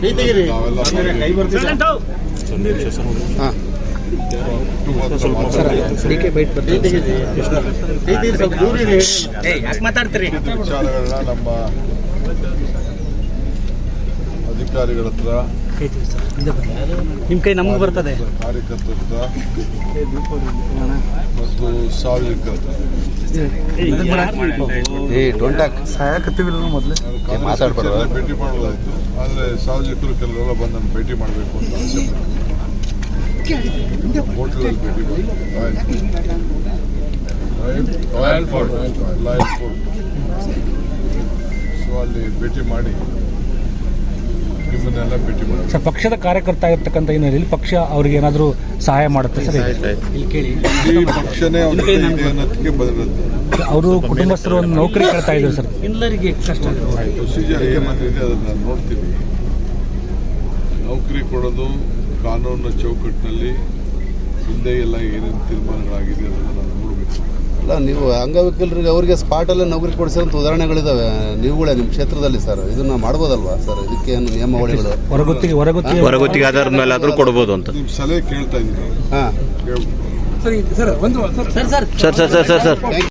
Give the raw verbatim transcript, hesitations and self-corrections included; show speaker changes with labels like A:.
A: ಮಾತಾಡ್ತೀರಿ
B: ವಿಚಾರಗಳನ್ನ ನಮ್ಮ ಅಧಿಕಾರಿಗಳ ಹತ್ರ
A: ನಿಮ್ಮ ಕೈ ನಮಗೆ ಬರ್ತದೆ
B: ಕಾರ್ಯಕರ್ತರ ಹತ್ರ ಮತ್ತು ಸಾರ್ವಜನಿಕರ ಹತ್ರ ಭೇಟಿ ಮಾಡೋದಾಯ್ತು. ಆದರೆ ಸಾರ್ವಜನಿಕರು ಕೆಲವೆಲ್ಲ ಬಂದು ನಾನು ಭೇಟಿ ಮಾಡಬೇಕು ಅಂತ ಆಸೆ ಹೋಟೆಲಲ್ಲಿ ಭೇಟಿ ಮಾಡಿ royal fort royal fort so ಅಲ್ಲಿ ಭೇಟಿ ಮಾಡಿ ನಿಮ್ಮನ್ನೆಲ್ಲ ಭೇಟಿ ಮಾಡಿ.
C: ಸರ್, ಪಕ್ಷದ ಕಾರ್ಯಕರ್ತ ಆಗಿರ್ತಕ್ಕಂಥ ಹಿನ್ನೆಲೆಯಲ್ಲಿ ಪಕ್ಷ ಅವ್ರಿಗೆ ಏನಾದರೂ ಸಹಾಯ ಮಾಡುತ್ತೆ ಸರ್?
B: ಈ ಪಕ್ಷನೇ ಅವ್ರಿಗೆ ಇದೆ ಅನ್ನೋದಕ್ಕೆ ಬದಲುತ್ತೆ.
C: ಅವರು ಕುಟುಂಬಸ್ಥರು ಒಂದು ನೌಕರಿ ಕೇಳ್ತಾ ಇದ್ದಾರೆ ಸರ್.
A: ಎಲ್ಲರಿಗೆ ಕಷ್ಟ
B: ಪ್ರೊಸೀಜರ್ ಏನಿದೆ ಅದನ್ನು ನಾನು ನೋಡ್ತೀವಿ. ನೌಕರಿ ಕೊಡೋದು ಕಾನೂನಿನ ಚೌಕಟ್ಟಿನಲ್ಲಿ ಹಿಂದೆ ಎಲ್ಲ ಏನೇನು ತೀರ್ಮಾನಗಳಾಗಿದೆ ಅದನ್ನು ನಾನು ನೋಡಬೇಕು.
D: ಅಲ್ಲ, ನೀವು ಅಂಗವಿಕಲರಿಗೆ ಅವರಿಗೆ ಸ್ಪಾಟಲ್ಲೇ ನೌಕರಿ ಕೊಡಿಸಿರೋಂಥ ಉದಾಹರಣೆಗಳಿದ್ದಾವೆ ನೀವುಗಳೇ ನಿಮ್ಮ ಕ್ಷೇತ್ರದಲ್ಲಿ ಸರ್. ಇದನ್ನು ಮಾಡ್ಬೋದಲ್ವಾ ಸರ್? ಇದಕ್ಕೆ ಏನು ನಿಯಮಾವಳಿಗಳು
C: ಹೊರಗುತ್ತಿಗೆ ಹೊರಗುತ್ತಿಗೆ
E: ಹೊರಗುತ್ತಿಗೆ ಆಧಾರದ ಮೇಲೆ ಆದರೂ ಕೊಡ್ಬೋದು ಅಂತ
B: ನಿಮ್ಮ ಸಲಹೆ ಕೇಳ್ತಾ ಇದ್ದೀನಿ.
D: ಹಾಂ
E: ಸರ್ ಸರ್ ಸರ್ ಸರ್